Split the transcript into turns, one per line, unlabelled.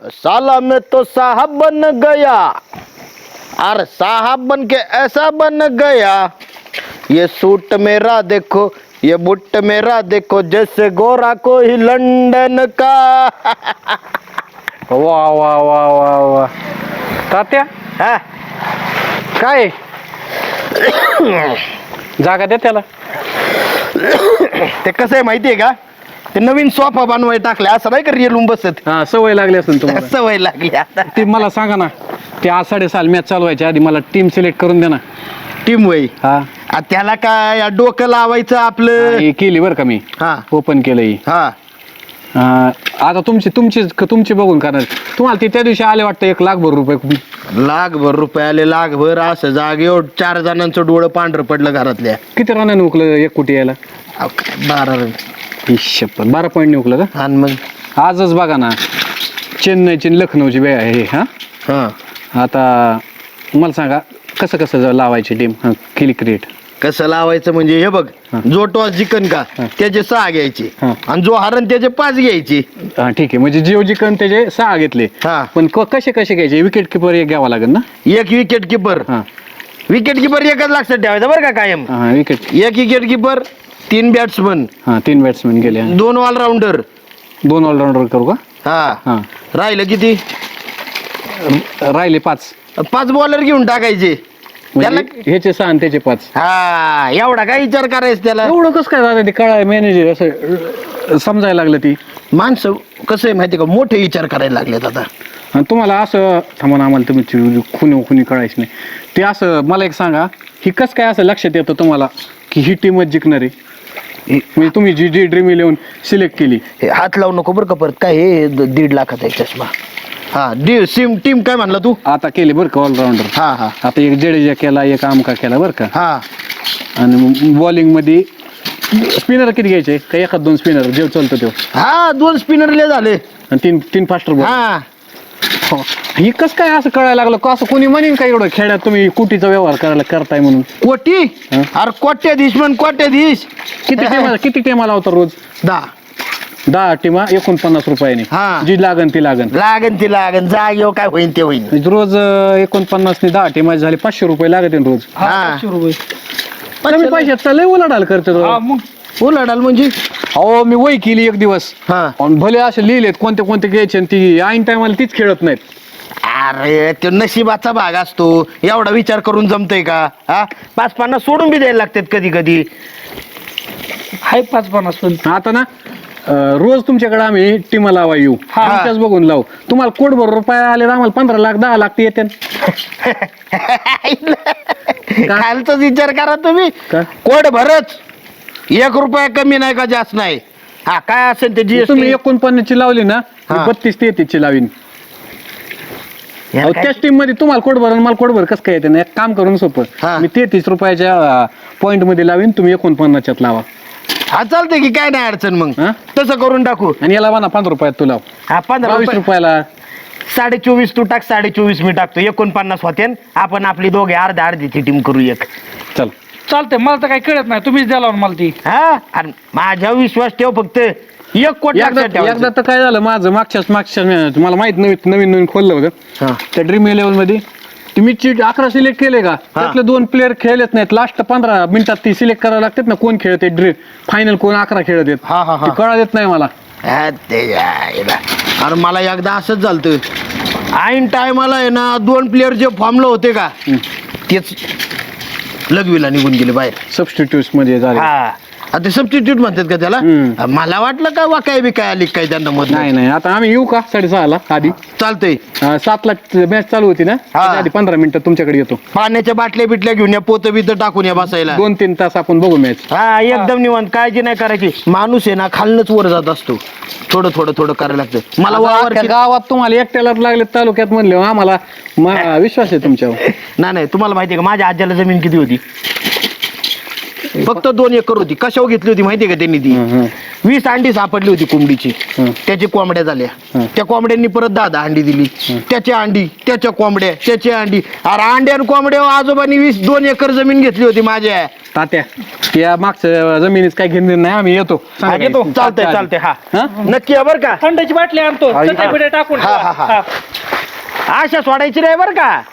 साला मैं तो साहब बन गया, अरे साहब बन के ऐसा बन गया, ये सूट मेरा देखो, ये बुट मेरा देखो, जैसे गोरा कोई लंदन का.
वा वा वा वा वा तात्या
हा?
काय जागा द्या त्याला.
ते कसं आहे माहितीये का, ते नवीन सोफा बनवाय टाकले असं नाही का रिअल बसत.
हा सवय लागली असेल तुम्हाला.
सवय लागली आता.
ते मला सांगा ना, ते आज 7:30 मॅच चालू व्हायच्या आधी मला टीम सिलेक्ट करून द्या ना.
टीम वय
हा
त्याला काय डोकं लावायचं आपलं.
हे केली बरं का मी,
हा
ओपन केलं ही.
हा
आता तुमची बघून करणार. तुम्हाला ते त्या दिवशी आले वाटतं 1,00,000 रुपये.
लाखभर रुपये आले, लाखभर असं जागेवर 4 जणांचं डोळं पांढरं पडलं घरातल्या.
किती रनाने उकलं 1 कोटी यायला?
12 रन.
12 पॉईंट उकलं का?
आणि मग
आजच बघा ना, चेन्नईची लखनौची बॅ आहे हे. हा
हा
आता मला सांगा कसं कसं लावायची टीम केली क्रिएट.
कसं लावायचं म्हणजे हे बघ, जो टॉस जिंकन का त्याचे 6 घ्यायचे आणि जो हरण त्याचे 5 घ्यायचे.
हा ठीक आहे, म्हणजे जिओ जिकन त्याचे 6 घेतले.
हा
पण कसे घ्यायचे? विकेट किपर एक घ्यावा लागेल ना.
एक विकेट किपर. विकेट किपर एकच लक्षात ठेवायचं बरं का कायम.
हा विकेट.
एक विकेट किपर, 3 बॅट्समन.
हा 3 बॅट्समॅन गेले.
2 ऑलराऊंडर.
2 ऑलराऊंडर करू का?
हा राहिलं किती?
राहिले 5.
5 बॉलर घेऊन टाकायचे.
म्हणजे ह्याचे 6 आणि त्याचे 5.
हा एवढा काय विचार करायचं त्याला.
एवढं कसं काय झालं ते कळाय मॅनेजर असं समजायला लागलं. ती
माणसं कसं आहे माहिती का, मोठे विचार करायला लागलेत आता.
आणि तुम्हाला असं थांबा ना, आम्हाला तुम्ही खुनी कळायचं नाही. ते असं मला एक सांगा, ही कसं काय असं लक्षात येतं तुम्हाला की ही टीमच जिंकणार आहे? म्हणजे तुम्ही जी ड्रीम 11 सिलेक्ट केली.
हे हात लावू नको बरं का परत. काय हे 1.5 लाखाचा आहे चष्मा. हा टीम काय म्हणला तू?
आता केली बरं का ऑलराऊंडर.
हा हा
आता एक जडेजा केला, एक आमका केला बरं का.
हा
आणि बॉलिंग मध्ये स्पिनर किती घ्यायचे? का 1-2 स्पिनर जे चालतो तो?
हा 2 स्पिनरले झाले
आणि 3 फास्टर बॉल.
हा
ही कसं काय असं कळायला लागलं का? असं कोणी म्हणेन का एवढं खेळात तुम्ही कोटीचा व्यवहार करायला करताय म्हणून?
कोटी? अरे कोट्याधीश म्हण कोट्याधीश.
किती टीमा लावता रोज? 10 टीमा 49 रुपयाने.
हा.
जी लागन ती लागन
जागेवर काय होईन ते होईन.
म्हणजे रोज 49 ने 10 टीमा झाले 500 रुपये लागत रोज.
हा
कमी पैशात लय उलाढाल करते.
उलाढाल म्हणजे
अहो मी वय केली एक दिवस.
हा
आणि भले असे लिहिलेत कोणते घ्यायचे, आणि ती ऐन टायमाला तीच खेळत नाहीत.
अरे तो नशिबाचा भाग असतो. एवढा विचार करून जमतय का? हा 5-50 सोडून बी द्यायला लागतात कधी कधी.
हाय 5-50 पण.
आता ना रोज तुमच्याकडे आम्ही टीमा लावा येऊ, तुमच्याच बघून लावू. तुम्हाला कोटभर रुपये आले तर आम्हाला 15 लाख 10 लाख ते येते.
खालचाच विचार करा तुम्ही.
का?
कोट भरच 1 रुपया कमी नाही का जास्त नाही. हा काय असेल ते
तुम्ही
जीएसटी.
49 ची लावली ना,
हा.
32-33 ची लावीन. त्याच टीम मध्ये तुम्हाला कोटभर आणि मला कोटभर कसं काय येते ना? एक काम करून सोपं,
हा.
मी 33 रुपयाच्या पॉइंट मध्ये लावीन, तुम्ही 49च्यात लावा.
हा चालतंय की, काय नाही अडचण. मग
हा?
तसं करून टाकू.
आणि याला म्हणा 15 रुपयात तू लाव.
हा 15
22 रुपयाला.
24.5 तू टाक, 24.5 मी टाकतो. 49 होते. आपण आपली दोघे अर्ध्याची टीम करू एक.
चल
चालतंय, मला तर काही कळत नाही. तुम्हीच द्याला मला ती.
हा आणि माझ्या विश्वास ठेव फक्त. 1 कोटी लक्षात ठेवायचं.
एकदा तर काय झालं माझं, मागच्या मला माहित नवीन खोललं होतं.
हा.
त्या ड्रीम 11 मध्ये तुम्ही 11 सिलेक्ट केले का? त्यातले 2 प्लेअर खेळत नाहीत. लास्ट 15 मिनिटात ती सिलेक्ट करावं लागतात ना, कोण खेळते ड्रीम फायनल, कोण 11 खेळत आहेत.
हा, हा, हा.
ते कळा देत नाही मला.
हा, ते यायला. अरे मला एकदा असंच झालं. ऐन टायमाला आहे ना 2 प्लेअर जे फॉर्मला होते का तेच लगवीला निघून गेले बाहेर.
सबस्टिट्यूट मध्ये झाले.
हा आता सबस्टिट्यूट म्हणतात का त्याला? मला वाटलं का वाकाय बी काय आली काय त्यांना मत.
नाही आता आम्ही येऊ का 6:30 आधी?
चालतंय.
7 ला मॅच चालू होती ना, त्याच्या आधी 15 मिनिटं तुमच्याकडे येतो.
पाण्याच्या बाटल्या बिटल्या घेऊन या, पोत बित टाकून या बसायला.
2-3 तास आपण बघू मॅच.
हा एकदम निवांत, काळजी नाही करायची. माणूस आहे ना खालनच वर जात असतो. थोडं करायला लागतं. मला वावर
गावात तुम्हाला एकट्याला लागले तालुक्यात म्हणले, आम्हाला विश्वास आहे तुमच्यावर.
नाही तुम्हाला माहिती आहे का माझ्या आज्याला जमीन किती होती? फक्त 2 एकर होती. कशावर घेतली होती माहिती का त्यांनी ती? 20 अंडी सापडली होती कोंबडीची. त्याची कोंबड्या झाल्या. त्या कोंबड्यांनी परत 10 अंडी दिली. त्याच्या अंडी, त्याच्या कोंबड्या, त्याच्या अंडी. अरे अंड्या आणि कोंबड्या आजोबांनी 2 एकर जमीन घेतली होती माझ्या.
तात्या त्या मागचं जमिनीच काय घेणं नाही, आम्ही येतो.
येतो. चालतंय हा
हा?
नक्की आहे बरं का.
थंडाची बाटली आणतो चटई बिटई टाकून
हा, हा, हा.
हा.
आशा सोडायची नाही बरं का.